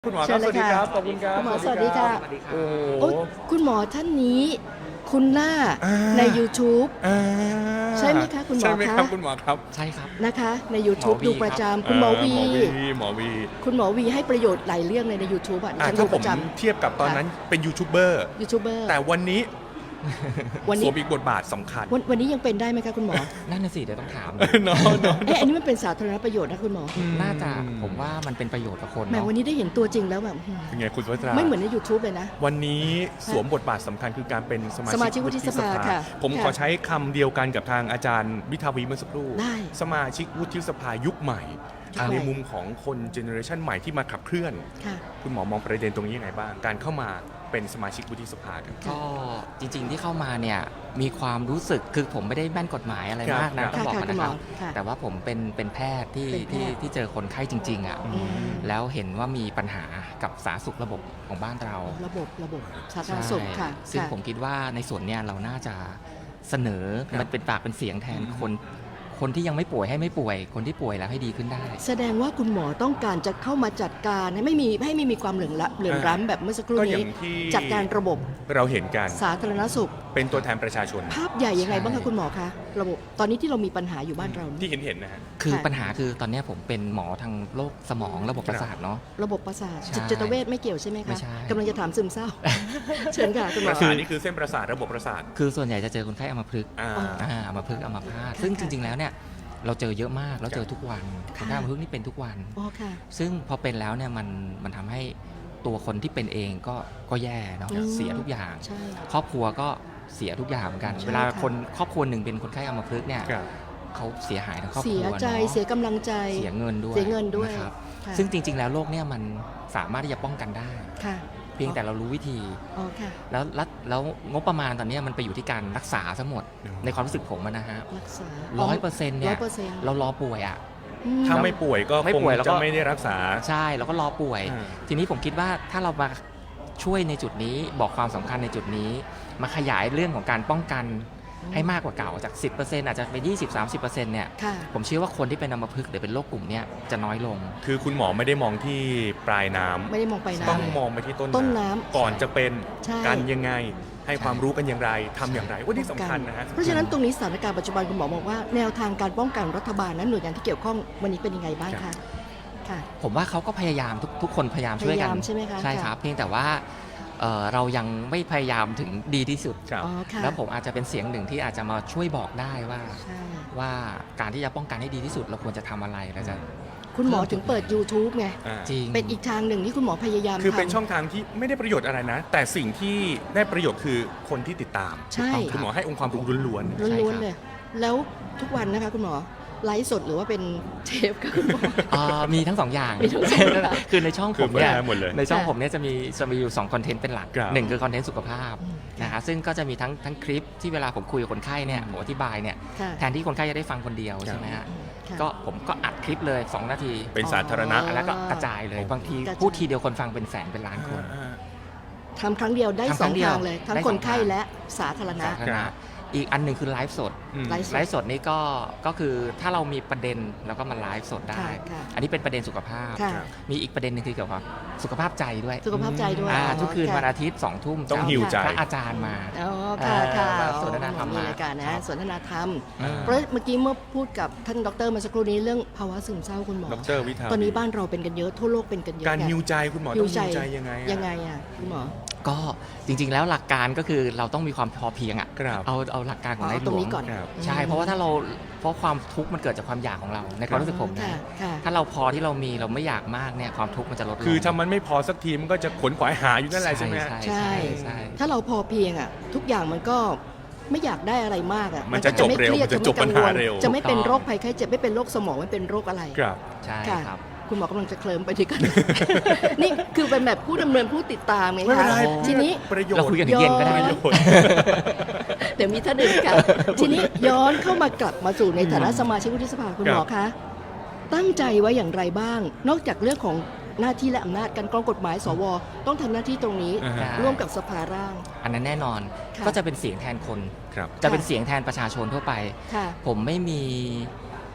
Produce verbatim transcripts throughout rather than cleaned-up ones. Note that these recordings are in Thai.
คุณหมอครับสวัสดีครับขอบคุณครับคุณหมอสวัสดีค่ะโอ้โอ้คุณหมอท่านนี้คุณหน้าใน YouTube ใช่ไหมคะคุณหมอคะใช่ไหมครับคุณหมอครับใช่ครับนะคะใน YouTube หมอวีดูประจำคุณหมอวีหมอวีหมอวีคุณหมอวีให้ประโยชน์หลายเรื่องเลยใน YouTube อ่ะดิอ่ะฉันถ้าดูผปมระจเทียบกับตอนนั้นเป็นยูทูบเบอร์ำยูทูบเบอร์แต่วันนี้วันสนี้วมอีกบทบาทสำคัญวันวันนี้ยังเป็นได้ไหมคะคุณหมอนั่นน่ะสิเดี๋ยวต้องถามเนาะเนาะเอ๊ะอันนี้มันเป็นสาธารณประโยชน์นะคุณหมอน่าจะผมว่ามันเป็นประโยชน์กับคนแหมเนาะวันนี้ได้เห็นตัวจริงแล้วแบบหืมเป็นไงคุณสุภัตราไม่เหมือนใน YouTube เลยนะวันนี้สวมบทบาทสำคัญคือการเป็นสมาสมาชิกวุฒิสภาค่ะผมค่ะขอใช้คำเดียวกันกับทางอาจารย์วิทาวีเมื่อสักครู่ได้สมาชิกวุฒิสภายุคใหม่ยุคใหม่ในมุมของคนเจเนอเรชันใหม่ที่มาขับเคลื่อนค่ะคุณหมอมองประเด็นตรงนี้ยังไงบ้าง การเข้ามาเป็นสมาชิกวุฒิสภาครับก็จริงๆที่เข้ามาเนี่ยมีความรู้สึกคือผมไม่ได้แม่นกฎหมายอะไรครับมากนะครัต้บองบอกค่ะก่อนนะครับคุณหมอค่ะแต่ว่าผมเป็นเป็นแพทย์ที่เป็นแพที่ทย์ที่เจอคนไข้จริงๆอ่ะอืมแล้วเห็นว่ามีปัญหากับสาธารณสุขระบบของบ้านเราระบบระบบสาธารณสุขค่ะซึ่งค่ะผมคิดว่าในส่วนเนี้ยเราน่าจะเสนอครับมันเป็นปากเป็นเสียงแทนคนคนที่ยังไม่ป่วยให้ไม่ป่วย คนที่ป่วยแล้วให้ดีขึ้นได้แสดงว่าคุณหมอต้องการจะเข้ามาจัดการให้ไม่มีให้ไม่มีความเหลื่อมละเหลื่อมล้ำแบบเมื่อสักครู่ก็อย่านี้งที่จัดการระบบเราเห็นกันสาธารณสุขเป็นตัวแทนประชาชนภาพใหญ่ยังไงบ้างใช่คะคุณหมอคะระบบตอนนี้ที่เรามีปัญหาอยู่บ้านเรานี่ที่เห็นเห็นๆนะฮะคือค่ะปัญหาคือตอนเนี้ยผมเป็นหมอทางโรคสมองระบบประสาทเนาะระบบประสาทใช่จิตจิตเวชไม่เกี่ยวใช่ไหมไม่คะใช่กำลังจะถามซึมเศร้า เชิญค่ะคุณหปมอระสาทนี่คือเส้นประสาทระบบประสาทคือส่วนใหญ่จะเจอคนไข้อัมพฤกษ์อ่าอ๋ออ่าอัมพฤกษ์อัมพาตค่ะซึ่งจค่ะริง ๆ แล้วเนี่ยเราเจอเยอะมากแล้วเจอทุกวันค่ะคนไข้อัมพฤกษ์นี่เป็นทุกวันอ๋อค่ะซึ่งพอเป็นแล้วเนี่ยมันมันทำให้ตัวคนที่เป็นเองก็ก็แย่เนาะอืมเสียทุกอย่างใช่ครอบครัวก็เสียทุกอย่างเหมือนกันใช่เวลาค่ะคนครอบครัวหนึ่งเป็นคนไข้อัมพฤกษ์เนี่ยครับเขาเสียหายทั้งครอบคเสีรัยวใจเนาะเสียกำลังใจเสียเงินด้วยเสียเงินด้วยนะครับค่ะซึ่งจริง ๆ แล้วโรคเนี่ยมันสามารถที่จะป้องกันได้ค่ะเพียงแต่เรารู้วิธีอ๋อค่ะแล้วแล้วแล้วงบประมาณตอนเนี้ยมันไปอยู่ที่การรักษาทั้งหมดอืมในความรู้สึกผมอะนะฮะรักษาร้อยเปอร์เซ็นต์เนี่ยร้อยเปอร์เซ็นต์เรารอป่วยอ่ะอืมถ้าไม่ป่วยก็ไม่คงป่วยแล้วก็จะไม่ได้รักษาใช่เราก็รอป่วยอ่าทีนี้ผมคิดว่าถ้าเรามาช่วยในจุดนี้บอกความสำคัญในจุดนี้ มาขยายเรื่องของการป้องกันให้มากกว่าเก่าจาก สิบเปอร์เซ็นต์ อาจจะเป็น ยี่สิบถึงสามสิบเปอร์เซ็นต์ เนี่ยค่ะผมเชื่อว่าคนที่เป็นอัมพฤกษ์หรือเป็นโรคกลุ่มเนี้ยจะน้อยลงคือคุณหมอไม่ได้มองที่ปลายน้ำไม่ได้มองไปต้องน้ำมองไปที่ต้นต้นน้ำก่อนจะเป็นใช่กันยังไง ให้ความรู้กันอย่างไรทำอย่างไรว่าที่สำคัญนะฮะเพราะฉะนั้นตรงนี้สถานการณ์ปัจจุบันคุณหมอบอกว่าแนวทางการป้องกันรัฐบาลนั้นหน่วยงานที่เกี่ยวข้องวันนี้เป็นยังไงบ้างครัคะบค่ะผมว่าเขาก็พยายามทุกทุกคนพยายามช่วยกันพยายามใช่ไหมคะใช่ครับ เพียงแต่ว่าเอ่อเรายังไม่พยายามถึงดีที่สุดครับอ๋อค่ะแล้วผมอาจจะเป็นเสียงหนึ่งที่อาจจะมาช่วยบอกได้ว่าใช่ว่าการที่จะป้องกันให้ดีที่สุดเราควรจะทำอะไรเราจะคุณหมอถึงเปิด YouTube ไงอ่าจริงเป็นอีกทางหนึ่งที่คุณหมอพยายามคือเป็นทำช่องทางที่ไม่ได้ประโยชน์อะไรนะ แต่สิ่งที่ได้ประโยชน์คือคนที่ติดตามใช่คุณหมอให้องค์ความรู้ล้วนใช่ครับล้วนๆเลย แล้วทุกวันนะคะคุณหมอไลฟ์สดหรือว่าเป็นเทปค่ะคุณหมออ่ามีทั้งสองอย่างมีทั้งสองอย่างคือในช่องๆผคือมเปิดเนี่ยได้หมดเลยในช่องค่ะผมเนี่ยจะมีจะมีอยู่สองคอนเทนต์เป็นหลักครับหนึ่งคือคอนเทนต์สุขภาพอืมนะฮะซึ่งก็จะมีทั้งทั้งคลิปที่เวลาผมคุยกับคนไข้เนี่ยผมอธิบายเนี่ยค่ะแทนที่คนไข้จะได้ฟังคนเดียวครับใช่ไหมฮะค่ะก็ผมก็อัดคลิปเลยสองนาทีเป็นสาธารณะอ๋อแล้วก็กระจายเลยบางทีกระจายพูดทีเดียวคนฟังเป็นแสนเป็นล้านคนอ่าทำครั้งเดียวได้ทำคสรั้องงเดียวทางเลย ทั้งได้คสนองไข้ทางและสาธารณะสาธารณะอีกอันหนึ่งคือไลฟ์สดอืมไลฟ์ไลฟ์สดนี่ก็ก็คือถ้าเรามีประเด็นเราก็มาไลฟ์สดได้ค่ะค่ะอันนี้เป็นประเด็นสุขภาพค่ะครับมีอีกประเด็นหนึงคือเกี่ยวกับสุขภาพใจด้วยสุขภาพใจด้วยอ่าอ๋อทุกคืนค่ะวันอาทิตย์สองทุ่มต้องจะหิวใจพระอาจารย์มาอ๋อค่ะค่ะเอ่อสนทนาธรรมมีรายการครันะบสนทนาธรรมอ่าเพราะเมื่อกี้เมื่อพูดกับท่านดรเมื่อสักครู่นี้เรื่องภาวะซึมเศร้าคุณหมอดรวิทาตอนนี้บ้านเราเป็นกันเยอะทั่วโลกเป็นกันเยอะการไงฮิวใจคุณหมอต้องฮิวใจยังไงอะยังไงอ่ะคุณหมอก็จริงๆแล้วหลักการก็คือเราต้องมีความพอเพียงอ่ะครับเอาเอาหลักการของในเอาหลตรงวนี้งก่อนครับใช่เพราะว่าถ้าเราเพราะความทุกข์มันเกิดจากความอยากของเราในความรู้สึกผมนะค่ะค่ะถ้าเราพอที่เรามีเราไม่อยากมากเนี่ยความทุกข์มันจะลดลงคือถ้ามันไม่พอสักทีมันก็จะขวนขวายหาอยู่นั่นแหละใช่ไหมฮะใช่ใช่ใช่ถ้าเราพอเพียงอ่ะ ทุกอย่างมันก็ไม่อยากได้อะไรมากอ่ะมันจะจบไม่เร็วคยดมันจะจบปัญหาเร็วจะไม่เป็นโรคภัยไข้เจ็บไม่เป็นโรคสมองไม่เป็นโรคอะไรครับใช่ค่ะครับคุณหมอกำลังจะเคลิ้มไปที่กัน นี่คือเป็นแบบผู้ดำเนินผู้ติดตามไงไม่เป็นคะไรทีนี้ประโยชเราน์คุยกันถึงเย็นก็ได้ย้อนนะเดี๋ยวมีท่านอื่นค่ะ ทีนี้ย้อนเข้ามากลับมาสู่ในฐานะสมาชิกวุฒิสภาคุณหมอคะตั้งใจไว้อย่างไรบ้าง นอกจากเรื่องของหน้าที่และอำนาจการกรองกฎหมายสวต้องทำหน้าที่ตรงนี้อ่าฮะร่วมกับสภาร่างอันนั้นแน่นอนค่ะก็จะเป็นเสียงแทนคนครับจะเป็นเสียงแทนประชาชนทั่วไปค่ะผมไม่มี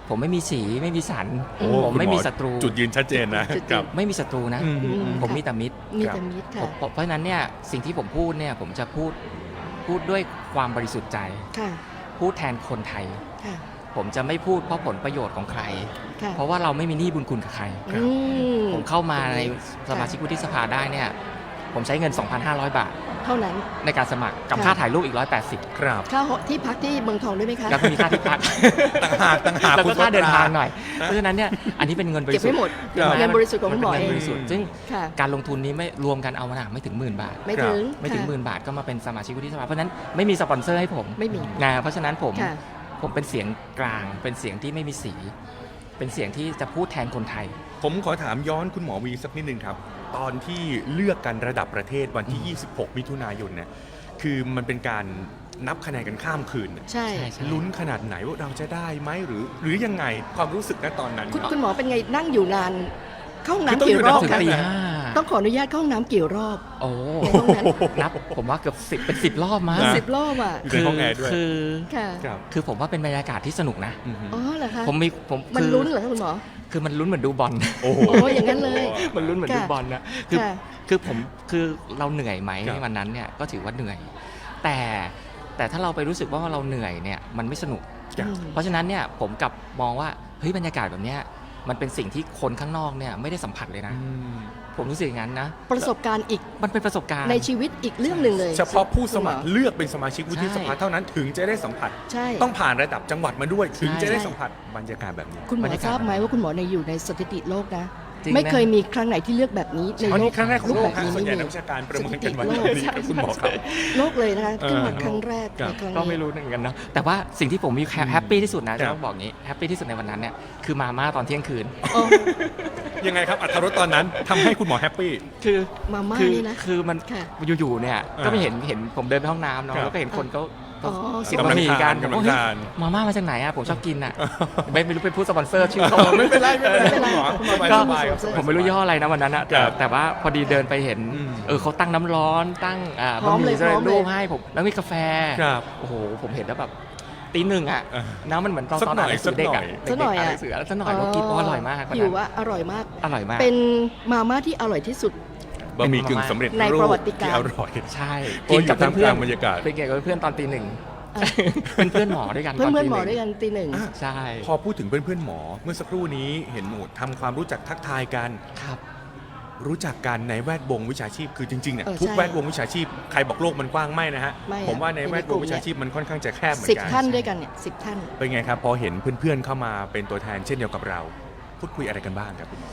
ผมไม่มีสีไม่มีสันโอ้ผมคุณไม่หอมีศัตรูจุดยืนชัดเจนนะจุดยืนครับไม่มีศัตรูนะอืมอืมผมค่ะมีแต่มิตรมีแต่มิตรผค่ะมเพราะฉะนั้นเนี่ยสิ่งที่ผมพูดเนี่ยผมจะพูดพูดด้วยความบริสุทธิ์ใจค่ะพูดแทนคนไทยค่ะผมจะไม่พูดเพราะผลประโยชน์ของใครค่ะเพราะว่าเราไม่มีหนี้บุญคุณกับใครครับอืมผมเข้ามาในสมาชิกวุฒิสภาได้เนี่ยผมใช้เงิน สองพันห้าร้อย บาทเท่านั้นในการสมัครกับค่ะค่าถ่ายรูปอีกหนึ่งร้อยแปดสิบครับค่าหอที่พักที่เมืองทองด้วยไหมคะแล้วก็มีค่าที่พักต่างหากต่างหากแล้วคุก็ณค่าเดินทางสุภัตรหน่อย เพราะฉะนั้นเนี่ยอันนี้เป็นเงินบริเก็บสุทไม่ธิ์หมดครับเงินบริสุทธิ์ของคุณหมอมันเอเป็นงเงินบริสุทธิ์ซึ่งค่ะการลงทุนนี้ไม่รวมกันเอามาไม่ถึงหมื่นบาทไม่ถึงไม่ถึงค่ะหมื่นบาทก็มาเป็นสมาชิกวุฒิสภาเพราะฉะนั้นไม่มีสปอนเซอร์ให้ผมไม่มีนะเพราะฉะนั้นผมค่ะผมเป็นเสียงกลาง เป็นเสียงที่ไม่มีสี เป็นเสียงที่จะพูดแทนคนไทยผมขอถามย้อนคุณหมอวีสักนิดนึงครับ ตอนที่เลือกกันระดับประเทศวันที่ ยี่สิบหก มิถุนายนเนี่ยคือมันเป็นการนับคะแนนกันข้ามคืนน่ะใช่ใช่ใช่ลุ้นขนาดไหนว่าเราจะได้ไหมหรือ หรือยังไงความรู้สึกณตอนนั้นคุณครับคุณหมอเป็นไงนั่งอยู่นาน เข้าห้องคือต้องน้ำกี่อยู่รอบนานถึงคะตีนะห้าต้องขออนุญาตเข้าห้องน้ำกี่รอบโอ้ในห้องนั้นนับผมว่าเกือบสิบเป็นสิบรอบมั้งนะสิบรอบอ่ะอยู่ในห้องแอร์ด้วยคือค่ะครับคือผมว่าเป็นบรรยากาศที่สนุกนะอือฮึอ๋อเหรอคะผมมีผมมันคือลุ้นเหรอคะคุณหมอคือมันลุ้นเหมือนดูบอลโอ้โหโอ้อย่างนั้นเลยมันลุ้นเหมือนค่ะดูบอลนะคือค่ะคือผมคือเราเหนื่อยไหมครับในวันนั้นเนี่ยก็ถือว่าเหนื่อย แต่แต่ถ้าเราไปรู้สึกว่าเราเหนื่อยเนี่ยมันไม่สนุกครับอืมเพราะฉะนั้นเนี่ยผมกลับมองว่าเฮ้ยบรรยากาศแบบเนี้ยมันเป็นสิ่งที่คนข้างนอกเนี่ยไม่ได้สัมผัสเลยนะอืมผมรู้สึกอย่างนั้นนะประสบการณ์อีกมันเป็นประสบการณ์ในชีวิตอีกเรื่องหนึ่งเลยเฉพาะผู้สมัครคุณหอเลือกเป็นสมาชิกวุฒิสภาใช่เท่านั้นถึงจะได้สัมผัสใช่ต้องผ่านระดับจังหวัดมาด้วย ถึงใช่จะได้สัมผัสบรรยากาศแบบนี้คุณหมบรอรยากาศทราบไหมว่าคุณหมอในยอยู่ในสถิติโลกนะจริงไม่นะเคยมีครั้งไหนที่เลือกแบบนี้ในอันโลนี้กครั้งแรกของโลกแบบฮะนี้ส่วนใหญ่ไม่นักมีวิชาการประเมินกันวันสถิติโลกนี้ครับคุณหมอครับโลกเลยนะคะเออขึ้นมาครั้งแรกครับในครั้งก็นี้ไม่รู้เหมือนกันนะแต่ว่าสิ่งที่ผมมีอืมแฮปปี้ที่สุดนะครัจะบต้องบอกงี้แฮปปี้ที่สุดในวันนั้นเนี่ยคือมาม่าตอนเที่ยงคืนอ๋อยังไงครับอัตรรสตอนนั้นทำให้คุณหมอแฮปปี้คือมาม่าคือนี่นะคือมันค่ะอยู่ๆเนี่ยอ่าก็ไม่เห็นเห็นผมเดินไปห้องน้ำเนาะครับแล้วก็เห็นคนเขาอ๋อเสียบกำลับะงหมี่ทากัน นกำลังผมว่าทานเฮ้ยมาม่ามาจากไหนอ่ะผมชอบกินอ่ะไม่ไม่รู้เป็นผู้สปอนเซอร์ชื่อเขาไม่เป็นไรไม่เป็นไรไม่เป็นไรคุณหมอสบายก็สบายครับสบายผมไม่รู้ยี่ห้ออะไรนะวันนั้นอะแต่ครับแต่ว่าพอดีเดินไปเห็นอืมเออเขาตั้งน้ำร้อนตั้งอ่าพร้อมบะหเลมี่ยสำเร็พร้อจมเลยรูปให้ผมแล้วมีกาแฟครับโอ้โหผมเห็นแล้วแบบตีหนึ่งอ่ะอ่าน้ำมันเหมือนตอนสักตอนหน่อ่าอน ยหนังสือเด็กอ่ะสักหน่อยเด็กๆอ่านอะหนังสือแล้วสักหน่อยก็กินโอ้อร่อยมากวันหินั้วน ว่าอร่อยมากอร่อยมากเป็นมาม่าที่อร่อยที่สุดบะหมี่กึ่งสำเร็จในรูประปวัติการที่อร่อยใช่โอ้ยอยู่ท่ามกลางบรรยากาศเป็นเกี่ยวกับเพื่อนตอนตีหนึ่งอ่ะเป็นเพื่อนหมอด้วยกันเพื่อนตเพื่อนตีหมอนึ่งด้วยกันตีหนึ่งอ่ะใช่พอพูดถึงเพื่อนๆหมอ เมื่อสักครู่นี้เห็นหมูทำความรู้จักทักทายกันครับรู้จักกันในแวดวงวิชาชีพคือจริงๆเนี่ยเออทุกใช่แวดวงวิชาชีพใครบอกโลกมันกว้างไม่นะฮะไม่อะผมว่าในแวดวงวิชาชีพมันค่อนข้างจะแคบเหมือนสิบกันท่านด้วยกันเนี่ยสิบท่านเป็นไงครับพอเห็นเพื่อนๆเข้ามาเป็นตัวแทนเช่นเดียวกับเรา พูดคุยอะไรกันบ้างครับคุณหมอก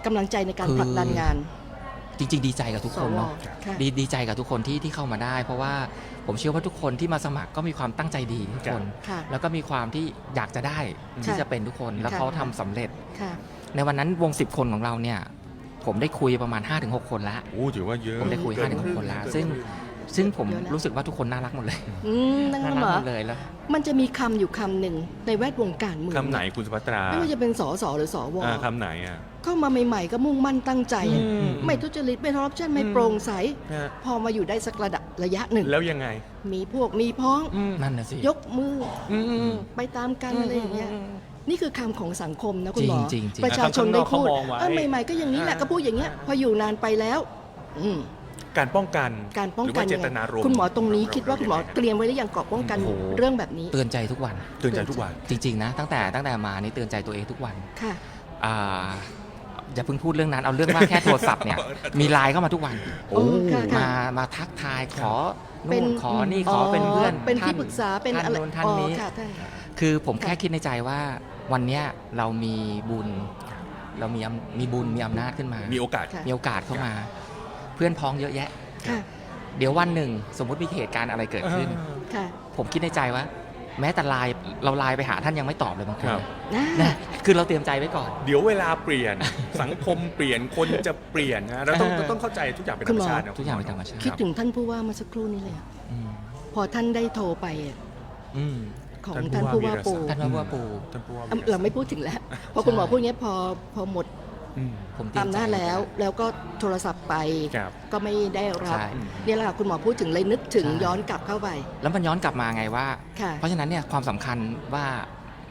ำลังใจในการคือผลักดันงานจริง ๆ ดีใจกับทุกสคนวเนาะค่ะดีดีใจกับทุกคนที่ที่เข้ามาได้ เพราะว่าผมเชื่อว่าทุกคนที่มาสมัครก็มีความตั้งใจดีทุกคนค่ะแล้วก็มีความที่อยากจะได้ที่จะเป็นทุกคนแล้วค่ะเขาทำสำเร็จค่ะในวันนั้นวงสิบคนของเราเนี่ยผมได้คุยประมาณ ห้าถึงหก คนละโอ้ถือว่าเยอะผมได้คุยเกิห้าถึงหกคนละซึ่งซึ่งผมรู้สึกว่าทุกคนน่ารักหมดเลยอืมนั่นน่าก็รัหมอหมดเลยแล้วมันจะมีคำอยู่คำหนึ่งในแวดวงการเมืองคำไหนคุณสุภัตราไม่ว่าจะเป็นสสหรือสวอ่าคำไหนอ่ะเข้ามาใหม่ๆก็มุ่งมั่นตั้งใจอืมไม่ทุจริตไม่คอร์รัปชันไม่อืมโปร่งใสฮะพอมาอยู่ได้สักระดับระยะหนึ่งแล้วยังไงมีพวกมีพ้องนั่นนะสิยกมืออืมไปตามกันอะไรอย่างเงี้ยนี่คือคำของสังคมนะคุณหมอจริงๆจริงๆประชาชนได้พูดข้างนอกเขามองไว้เออใหม่ๆก็อย่างนี้แหละอ่าก็พูดอย่างเงี้ยพออยู่นานไปแล้ว อืมการป้องกันการป้องหรือกัว่าน เจตนารมณ์คุณหมอตรงนี้คิดว่าคุณหมอเตรียมไว้หรือยังเกราะป้องกันโอ้โหเรื่องแบบนี้เตือนใจทุกวันเตือนใจทุกวันจริง ๆ นะ ตั้งแต่ตั้งแต่มานี่เตือนใจตัวเองทุกวันค่ะอ่าอย่าเพิ่งพูดเรื่องนั้นเอาเรื่องว่าแค่โทรศัพท์เนี่ยมีไลน์เข้ามาทุกวันโอ้ค่ะค่ะมามาทักทายขอเป็นู่นนขอนี่ขอเป็นเพื่อนเป็นที่ท่ปรึกษาเป็นท่านอะไรนู้นท่านนี้อ๋อค่ะท่านคือผมแค่ค่ะคิดในใจว่าวันเนี้ยเรามีบุญ เรามีอำมีบุญมีอำนาจขึ้นมามีโอกาสค่ะมีโอกาสเข้ามา เพื่อนพ้องเยอะแยะค่ะเดี๋ยววันหนึ่งสมมุติมีเหตุการณ์อะไรเกิดขึ้นค่ะผมคิดในใจว่า แม้แต่ไลน์เราไลน์ไปหาท่านยังไม่ตอบเลยบางคนครับนะนะคือเราเตรียมใจไว้ก่อนเดี๋ยวเวลาเปลี่ยน สังคมเปลี่ยนคนจะเปลี่ยนนะเราต้องเออต้องเข้าใจทุกอย่างเป็นธคุรณรหมมอชาตินะทุกอย่างเป็นธรรมชาติคิดถึงท่านผู้ว่าเมาสักครู่นี้เลยอะอืมพอท่านได้โทรไปอะอืมของท่าท่าน นผู้ผู้ว่าว่าปูวีรศักดิ์ท่านว่าปูท่านผู้ว่าอ่ะเราไม่พูดถึงแล้วพอคุณหมอพูดอย่างเงี้ยพอพอหมดอืมผมเตรียมอำใจนาจแล้ว แล้วก็โทรศัพท์ไปครับก็ไม่ได้รับใช่เนี่ยแหละค่ะคุณหมอพูดถึงเลยนึกถึงใช่ย้อนกลับเข้าไปแล้วมันย้อนกลับมาไงว่าค่ะเพราะฉะนั้นเนี่ยความสำคัญว่า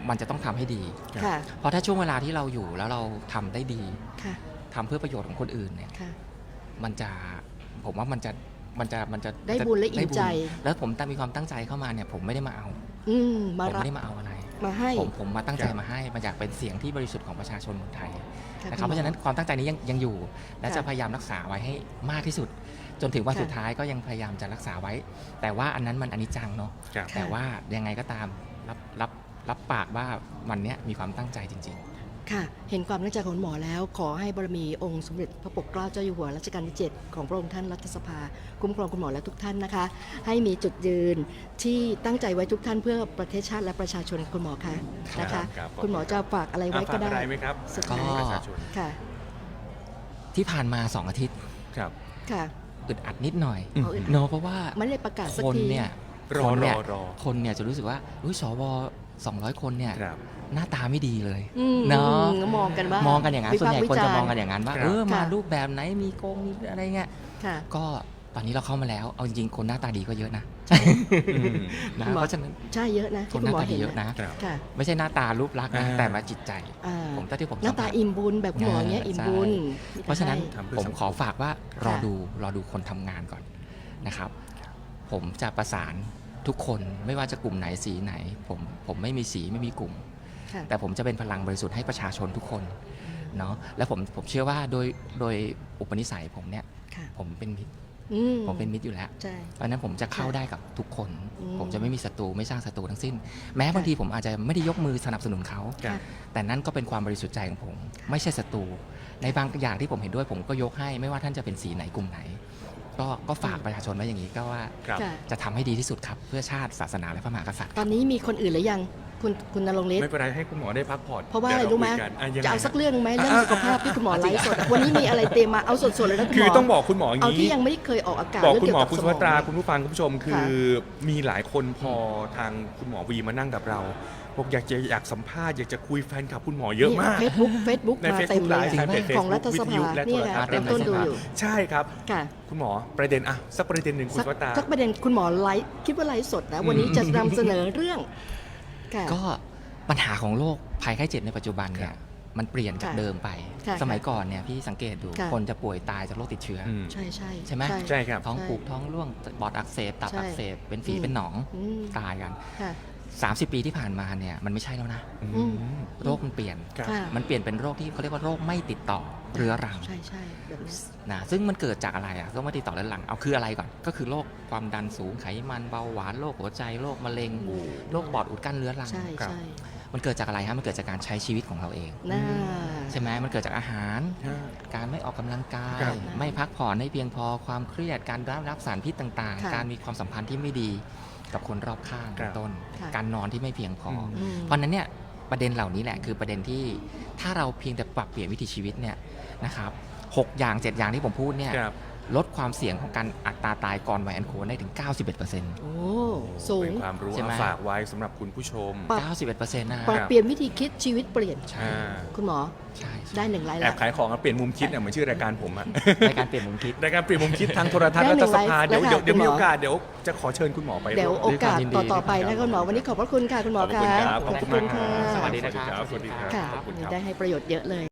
มันจะต้องทำให้ดีค่ะเพราะถ้าช่วงเวลาที่เราอยู่แล้วเราทำได้ดีค่ะทำเพื่อประโยชน์ของคนอื่นเนี่ยค่ะมันจะผมว่ามันจะมันจะมันจะได้บุญและอิ่มใจได้บุญแล้วผมตั้งมีความตั้งใจเข้ามาเนี่ยผมไม่ได้มาเอาอืมมาผมรับไม่ได้มาเอาอะไรมาให้ผมผมมาตั้งใจครับมาให้มาอยากเป็นเสียงที่บริสุทธิ์ของประชาชนคนไทยค่ะนะครับคุณหมอเพราะฉะนั้นความตั้งใจนี้ยังยังอยู่ และค่ะจะพยายามรักษาไว้ให้มากที่สุด จนถึงวันค่ะสุดท้ายก็ยังพยายามจะรักษาไว้ แต่ว่าอันนั้นมันอนิจจังเนาะครับค่ะแต่ว่ายังไงก็ตามรับรับรับปากว่าวันเนี้ยมีความตั้งใจจริงค่ะ เห็นความตั้งใจของหมอแล้ว ขอให้บารมีองค์สมเด็จพระปกเกล้าเจ้าอยู่หัวรัชกาลที่ เจ็ด ของพระองค์ท่านรัฐสภา คุ้มครองคุณหมอและทุกท่านนะคะ ให้มีจุดยืนที่ตั้งใจไว้ทุกท่านเพื่อประเทศชาติและประชาชนคุณหมอคะนะคะครับคุณหมอจะฝากอะไรไว้อ่ะก็ฝากได้อะไรไหมครับสุดก็ท้ายประชาชนค่ะๆ ที่ผ่านมาสองอาทิตย์ครับค่ะอึดอัดนิดหน่อยเอาอื่นเนาะเพราะว่าไม่ได้ประกาศสักคนทีเนี่ยรอคนเนี่ยรอรอคนเนี่ยจะรู้สึกว่าอุ้ยสวสองร้อยคนเนี่ยครับหน้าตาไม่ดีเลยอืมเนาะมองกันว่ามองกันอย่างนั้นวิส่วนพากใหญ่ษ์คนจะวิารมองกันอย่างนั้นว่าครับเออมาค่ะรูปแบบไหนมีโกงมีอะไรเงี้ยค่ะก็ตอนนี้เราเข้ามาแล้วเอาจริงๆคนหน้าตาดีก็เยอะนะอืมนะคุณหมอเพราะฉะนั้นใช่เยอะนะคที่นคุหณน้าหมอตาดีเห็นเยอะนะครับค่ะไม่ใช่หน้าตารูปลักษณ์นะอ่าแต่มาจิตใจอ่าผมเท่าที่ผมหน้าตาสัมผัสอิ่มบุญแบบคุณหมอเนี้ยใช่อิ่มบุญเพราะฉะนั้นทำเพื่อผมสังคมขอฝากว่ารอดูรอดูคนทำงานก่อนนะครับ ผมจะประสานทุกคนไม่ว่าจะกลุ่มไหนสีไหน ผมผมไม่มีสีไม่มีกลุ่มค่ะแต่ผมจะเป็นพลังบริสุทธิ์ให้ประชาชนทุกคนเนาะและผมผมเชื่อว่าโดยโดยอุปนิสัยผมเนี่ยค่ะผมเป็นมิตรอืมผมเป็นมิตรอยู่แล้วใช่เพราะฉะนั้นผมจะเข้าค่ะได้กับทุกคนอืมผมจะไม่มีศัตรูไม่สร้างศัตรูทั้งสิ้น แม้บางทีผมอาจจะไม่ได้ยกมือสนับสนุนเขาครับแต่นั่นก็เป็นความบริสุทธิ์ใจของผม ไม่ใช่ศัตรูในบางอย่างที่ผมเห็นด้วยผมก็ยกให้ไม่ว่าท่านจะเป็นสีไหนกลุ่มไหน ก็ก็ฝากประชาชนไว้อย่างนี้ก็ว่าครับค่ะจะทำให้ดีที่สุดครับ เพื่อชาติศาสนาและพระมหากษัตริย์ตอนนี้มีคนอื่นหรือยังคุณคุณนรงค์ฤทไม่ธิ์เป็นไรให้คุณหมอได้พักผ่อนเพราะว่าอะไรดี๋ยรู้ไหมคุยกันอ่ยังจะไงเอาสักฮะเรื่องไหมเรื่องอ่ะสุขภาพที่คุณหมอไลฟ์สดวันนี้มีอะไรเตรียมมาเอาสดๆเลยนะคุณหมอคือต้องบอกคุณหมออย่างเอาที่นี้ยังไม่ได้เคยออกอากาศบอกเรื่คุณหมอเกี่ยวคุณบสุภัตราสมองคุณผู้ฟังคุณผู้ชม คือมีหลายคนพอทางคุณหมอวีมานั่งกับเราบอกอยากจะอยากสัมภาษณ์อยากจะคุยแฟนคลับคุณหมอเยอะมากเฟซบุ๊กเฟซบุ๊กในมา Facebook เต็มเลย Live แฟนเพจของรัฐสวิทภายุและเนี่ยโทรทัค่ะศน์เริ่มต้นดูอยู่ใช่ครับค่ะคุณหมอประเด็นอะสักประเด็นหนึ่งคุณสักสุภัตราสักประเด็นคุณหมอไลฟ์คิดว่าไลฟ์สดนะ วันนี้จะนำเสนอเรื่องค่ะก็ปัญหาของโรคภัยไข้เจ็บในปัจจุบันเนี่ครัยบมันเปลี่ยนจากค่ะเดิมไปค่ะสมัยก่อนเนี่ยพี่สังเกตดูค่ะคนจะป่วยตายจากโรคติดเชื้อออืมใช่ใช่ใช่ไหมใช่ครับท้องใช่ผูกท้องร่วงปอดอักเสบตับใช่อักเสบเป็นฝีอืมเป็นหนองอืมตายกันค่ะสามสิบ ปีที่ผ่านมาเนี่ยมันไม่ใช่แล้วนะอืมโรคมันเปลี่ยนครับค่ะมันเปลี่ยนเป็นโรคที่เขาเรียกว่าโรคไม่ติดต่อเรื้อรังใช่ใช่แบบนี้นะซึ่งมันเกิดจากอะไรอะโรคไม่ติดต่อเรื้อรังเอาคืออะไรก่อน ก็คือโรคความดันสูงไขมันเบาหวานโรคหัวใจโรคมะเร็งอืมโรคปอดอุดกั้นเรื้อรังใช่ครับใช่มันเกิดจากอะไรฮะมันเกิดจากการใช้ชีวิตของเราเองน่าใช่ไหมมันเกิดจากอาหาร การไม่ออกกำลังกายครับไม่พักผ่อนให้เพียงพอความเครียดการรับรับสารพิษต่างค่ะๆ การมีความสัมพันธ์ที่ไม่ดีกับคนรอบข้างครัเป็นบต้นค่ะการนอนที่ไม่เพียงพออมอืมเพราะฉะนั้นเนี่ยประเด็นเหล่านี้แหละคือประเด็นที่ถ้าเราเพียงแต่ปรับเปลี่ยนวิถีชีวิตเนี่ยนะครับหกอย่างเจ็ดอย่างที่ผมพูดเนี่ยครับลดความเสี่ยงของการอัตราตายก่อนวัยอันควรได้ถึง เก้าสิบเอ็ดเปอร์เซ็นต์โอ้สูงเป็นความรู้ใช่ไหมเอาฝากไว้สำหรับคุณผู้ชมปรับเก้าสิบเอ็ดเปอร์เซ็นต์นะปรับเปลี่ยนวิธีคิดชีวิตเปลี่ยนใช่อ่าคุณหมอใช่ใช่ได้หนึ่งไลน์แอบละขายของอะเปลี่ยนมุมคิดเนี่ยเหมือนชื่อรายการผมอะในการเปลี่ยนมุมคิดรายการเปลี่ยนมุมคิดทางโทรทัศน์ได้รัหนึ่ฐงสไลฟ์ภาเดี๋ยวแล้วค่ะเดี๋ยวเดี๋ยวคุณหมอมีโอกาสเดี๋ยวจะขอเชิญคุณหมอไปเดี๋ยวร่โอกาสด้วยความยินดีต่อๆไปนะคุณหมอวันนี้ขอบพระคุณค่ะคุณหมอขอบคุณคะครับขอบคุณค่ะสวัสดีนะครับสวัสดีครับค่ะขอบคุณวันคนี้รับได้ให้ประโยชน์เยอะเลย